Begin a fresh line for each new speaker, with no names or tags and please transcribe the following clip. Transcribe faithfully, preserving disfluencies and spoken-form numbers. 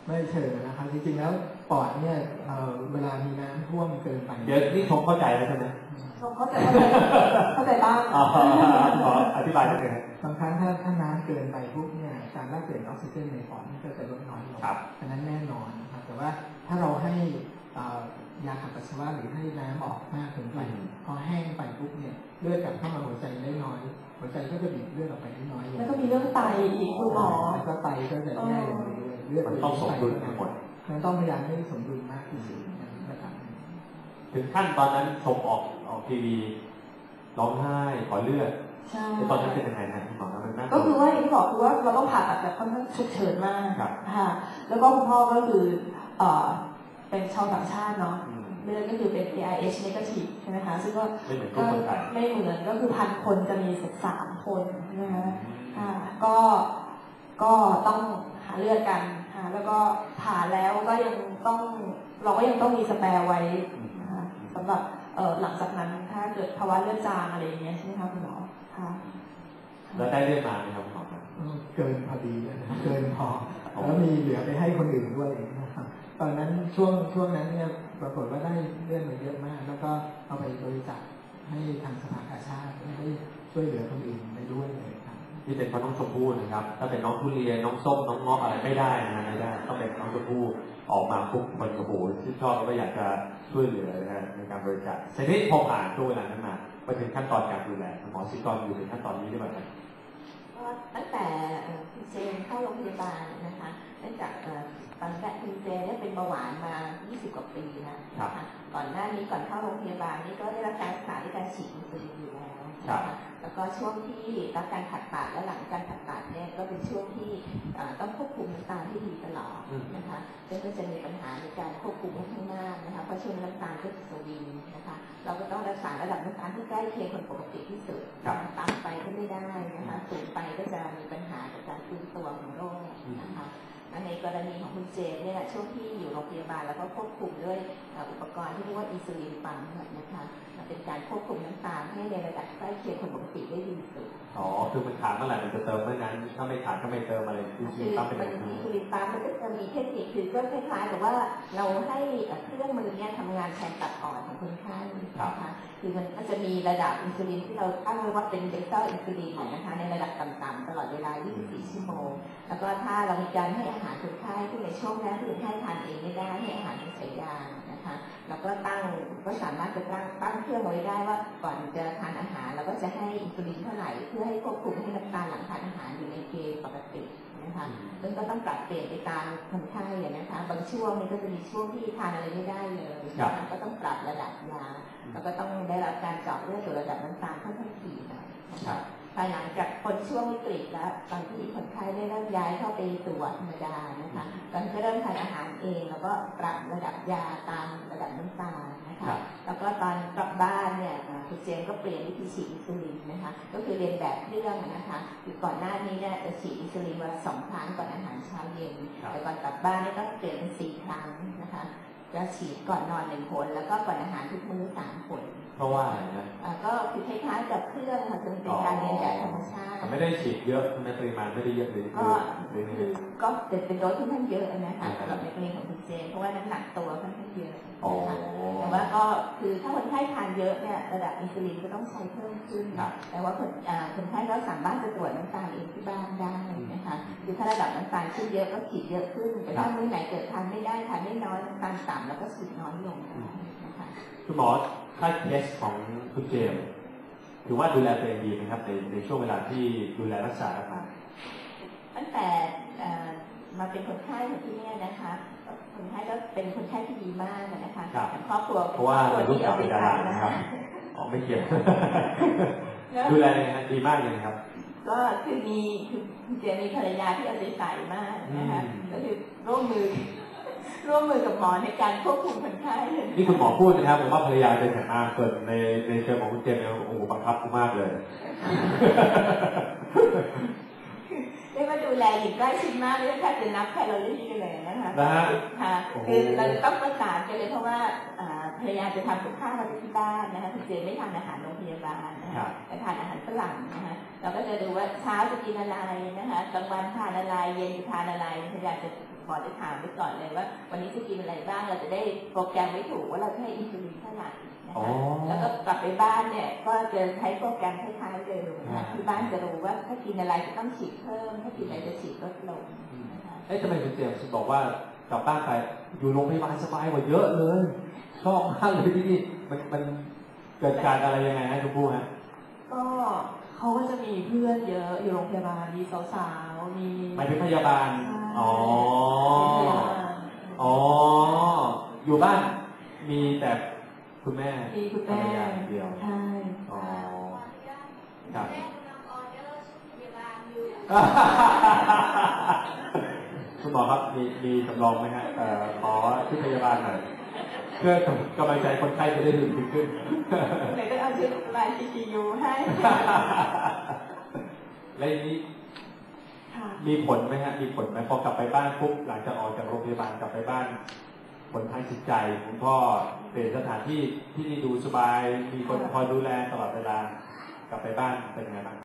ไม่เชิงนะครับจริงๆแล้วปอดเนี่ยเวลามีน้ำท่วมเกินไป
เดี๋ยวนี่ชมเข้าใจแล้วใช่ไหม
ชมเข้าใจเข้าใจบ้าง
ขออธิบายนิดนึง
บางครั้งถ้าถ้าน้ำเกินไปพวกเนี่ยการแลกเปลี่ยนออกซิเจนในปอดมันก็จะลดน้อยลงฉะนั้นแน่นอนนะครับแต่ว่าถ้าเราให้ยาขับปัสสาวะหรือให้น้ำออกมากเกินไปพอแห้งไปปุ๊บเนี่ยเลือดกลับเข้ามาหัวใจได้น้อยหัวใจก็จะบีบเลือดออกไปได้น้อยลง
แล้วก็มีเรื่องไตอีกคุณหมอ
แล้วก็ไตก็จะแย่ลงเรื่อยๆเลือด
มันต้องสมดุลทั้งหมด
มันต้องพยายามให้สมดุลมากที่สุดนะครับ
ถึงขั้นตอนนั้นชมออกออกทีวีร้องไห้ขอเลือด
ใช่
ตอนนั้นเป็นยังไงนะคุณหมอมันน่า
ก็คือว่าอย่างที่บอกคือว่าเราต้องผ่าตัดแบบค่อนข้างฉุกเฉินมากค่ะแล้วก็คุณพ่อก็คือเอ่อเป็นชาวต่างชาติเนาะเลือดก็คือเป็น เอ ไอ เอช negative ใช่ไหมคะซึ่งก็
ไม่เหมือนคนไทย
ไม่เหมือนก็คือพันคนจะมีสักสามคนนะคะค่ะก็ก็ต้องหาเลือดกันค่ะแล้วก็ผ่าแล้วก็ยังต้องเราก็ยังต้องมีสแปร์ไว้นะคะสำหรับเอ่อหลังจากนั้นถ้าเกิดภาวะเลือดจางอะไรอย่างเงี้ยใช่ไหมคะคุณหมอค่ะ
แล้วได้เลือดมาไหมครับคุณหมอ
เกินพอดีเลยเกินพอแล้วมีเหลือไปให้คนอื่นด้วยนะครับตอนนั้นช่วงช่วงนั้นเนี่ยปรากฏว่าได้เลือดมาเยอะมากแล้วก็เอาไปบริจาคให้ทางสภากาชาติให้ช่วยเหลือคนอื่นไปด้วยเลยครับ
ที่เป็นเพราะน้องชมพู่นะครับถ้าเป็นน้องทุเรียนน้องส้มน้องงอกอะไรไม่ได้นะไม่ได้ต้องเป็นน้องชมพู่ออกมาปุ๊บมันโอ้โหที่ชอบแล้วก็อยากจะช่วยเหลือนะในการบริจาคทีนี้พอผ่านช่วงเวลานั้นมาไปถึงขั้นตอนการดูแลหมอซิกรอยู่ในขั้นตอนนี้ได้ไหมครับ
ตั้งแต่คุณเจนเข้าโรงพยาบาลนะคะเนื่องจากตอนแรกคุณเจนเนี่ยเป็นเบาหวานมายี่สิบกว่าปีแล้วนะคะก่อนหน้านี้ก่อนเข้าโรงพยาบาลนี่ก็ได้รับการรักษาด้วยการฉีดอินซูลินอยู่แล้วนะคะแล้วก็ช่วงที่รับการผ่าตัดและหลังการผ่าตัดเนี่ยก็เป็นช่วงที่ต้องควบคุมน้ำตาลที่ดีตลอดนะคะซึ่งก็จะมีปัญหาในการควบคุมค่อนข้างมากนะคะเพราะช่วงน้ำตาลก็จะสวิงนะคะเราก็ต้องรักษาระดับน้ำตาลที่ใกล้เคียงคนปกติที่สุดต่ำไปก็ไม่ได้นะคะสูงไปก็จะมีปัญหากับการฟื้นตัวของโรคนะคะในกรณีของคุณเจนเนี่ยช่วงที่อยู่โรงพยาบาลแล้วก็ควบคุมด้วยอุปกรณ์ที่เรียกว่าอินซูลินปั๊มนะคะเป็นการควบคุมน้ำตาลให้ในระดับใกล้เคียงคนปกติได้ดีสุด
อ๋อคือมันขาดเมื่อไหร่มันจะเติมเมื่อนั้นถ้าไม่ขาดก็ไม่เติมอะไร
อินซูลินปั๊มเป็นแบบนี้อินซูลินปั๊มมันก็จะมีเทคนิคคือก็คล้ายๆกับว่าเราให้เครื่องมือเนี่ยทำงานแทนตับอ่อนของคนไข้นะคะคือมันก็จะมีระดับอินซูลินที่เราตั้งไว้ว่าเป็นเบต้าอินซูลินนะคะในระดับต่ำๆตลอดเวลายี่สิบสี่ชั่วโมงแล้วก็ถ้าเรามีการให้อาหารคนไข้ที่ในช่วงนั้นที่คนไข้ทานเองไม่ได้ให้อาหารเป็นสายยางนะคะแล้วก็ตั้งก็สามารถจะตั้งตั้งเครื่องไว้ได้ว่าก่อนจะทานอาหารเราก็จะให้อินซูลินเท่าไหร่เพื่อให้ควบคุมให้น้ำตาลหลังทานอาหารอยู่ในเกณฑ์ปกตินะคะซึ่งก็ต้องปรับเปลี่ยนไปตามคนไข้นะคะบางช่วงนี้ก็จะมีช่วงที่ทานอะไรไม่ได้เลยก็ต้องปรับระดับยาแล้วก็ต้องได้รับการเจาะเลือดตรวจระดับน้ำตาลค่อนข้างถี่หน่อยนะคะภายหลังจากคนช่วงวิกฤตแล้วตอนที่คนไข้ได้เริ่มย้ายเข้าไปตรวจธรรมดานะคะตอนก็เริ่มทานอาหารเองแล้วก็ปรับระดับยาตามระดับน้ำตาลนะคะแล้วก็ตอนกลับบ้านเนี่ยคุณเจมก็เปลี่ยนวิธีฉีดอินซูลินนะคะก็คือเรียนแบบเครื่องนะคะคือก่อนหน้านี้เนี่ยจะฉีดอินซูลินวันละสองครั้งก่อนอาหารเช้าเย็นแต่ก่อนกลับบ้านเนี่ยต้องเปลี่ยนเป็นสี่ครั้งนะคะจะฉีดก่อนนอนหนึ่งผลแล้วก็ก่อนอาหารทุกมื้อสามผล
เพราะว่าอะไรนะ
ก็คือคล้ายๆกับเครื่องค่ะจะเป็นการเรียนแบบธรรมชาติ
ไม่ได้ฉีดเยอะในปริมาณไม่ได้เยอะเลย
ก็คือก็เป็นโดสที่ค่อนข้างเยอะนะคะสำหรับในกรณีของคุณเจนเพราะว่าน้ำหนักตัวค่อนข้างเยอะนะคะแต่ว่าก็คือถ้าคนไข้ทานเยอะเนี่ยระดับอินซูลินก็ต้องใช้เพิ่มขึ้นแต่ว่าคนคนไข้ก็สามารถจะตรวจน้ำตาลเองที่บ้านได้นะคะคือถ้าระดับน้ำตาลขึ้นเยอะก็ฉีดเยอะขึ้นแต่ถ้ามื้อไหนเกิดทานไม่ได้ทานไม่น้อยน้ำตาลต่ำแล้วก็ฉีดน้อยลงนะคะ
คุณหมอค่าเทสของคุณเจมถือว่าดูแลตัวเองดีไหมครับในในช่วงเวลาที่ดูแลรักษามา
ตั้งแต่มาเป็นคนไข้ที่นี่นะคะคนไข้ก็เป็นคนไข้ที่ดีมากนะคะครอบครัว
เพราะว่าลูกสาวเป็นดารานะครับอ๋อไม่เกี่ยวดูแลยังไงดีมากเลยครับ
ก็คือมีคือเจมีภรรยาที่เอาใจใส่มากนะคะก็คือร่วมมือร่วมมือกับหมอในการควบคุมคนไข้
นี่คุณหมอพูดนะครับผมว่าภรรยาเป็นแข็งมากเกิดในในเชิงของคุณเจมโอ้โหบังคับมากเลย
ได้มาดูแลอย่างใกล้ชิดมากเลยแทบจะนับแคลอรี่กันเลยนะคะค่ะคือเราจะต้องประสานกันเลยเพราะว่าภรรยาจะทำกับข้าวมาที่บ้านนะคะคุณเจมไม่ทานอาหารโรงพยาบาลนะคะจะทานอาหารฝรั่งนะคะเราก็จะดูว่าเช้าจะกินอะไรนะคะกลางวันทานอะไรเย็นจะทานอะไรภรรยาจะหมอจะถามไว้ก่อนเลยว่าวันนี้จะกินอะไรบ้างเราจะได้โปรแกรมไว้ถูกว่าเราจะให้อินซูลินเท่าไหร่นะคะแล้วก็กลับไปบ้านเนี่ยก็จะใช้โปรแกรมคล้ายๆเดิมนะคะที่บ้านจะรู้ว่าถ้ากินอะไรจะต้องฉีดเพิ่มถ้ากินอะไรจะฉีดลดลงนะคะ
เอ๊ะทำไมคุณเจมส์บอกว่ากลับบ้านไปอยู่โรงพยาบาลสบายกว่าเยอะเลยชอบมากเลยที่นี่มันมันเกิดการอะไรยังไงฮะคุณผู้ฮะ
ก็เขาก็จะมีเพื่อนเยอะอยู่โรงพยาบาลมีสาวๆมี
หมายถึงพยาบาลอ๋ออ๋ออยู่บ้านมีแต่คุณแม่
มีคุณแม่
เดียว
ใช่
อ๋อครับคุณหมอครับมีมีสำรองไหมฮะเอ่อขอที่พยาบาลหน่อยเพื่อกำลังใจคนไข้จะได้ดื่มขึ้น
ไหนก็เอาชุดลายซีพียูให้
แล้วนี้มีผลไหมฮะมีผลไหมพอกลับไปบ้านปุ๊บหลังจากออกจากโรงพยาบาลกลับไปบ้านผลทางจิตใจคุณพ่อเปลี่ยนสถานที่ที่ดูสบายมีคนคอยดูแลตลอดเวลากลับไปบ้านเป็นไงบ้าง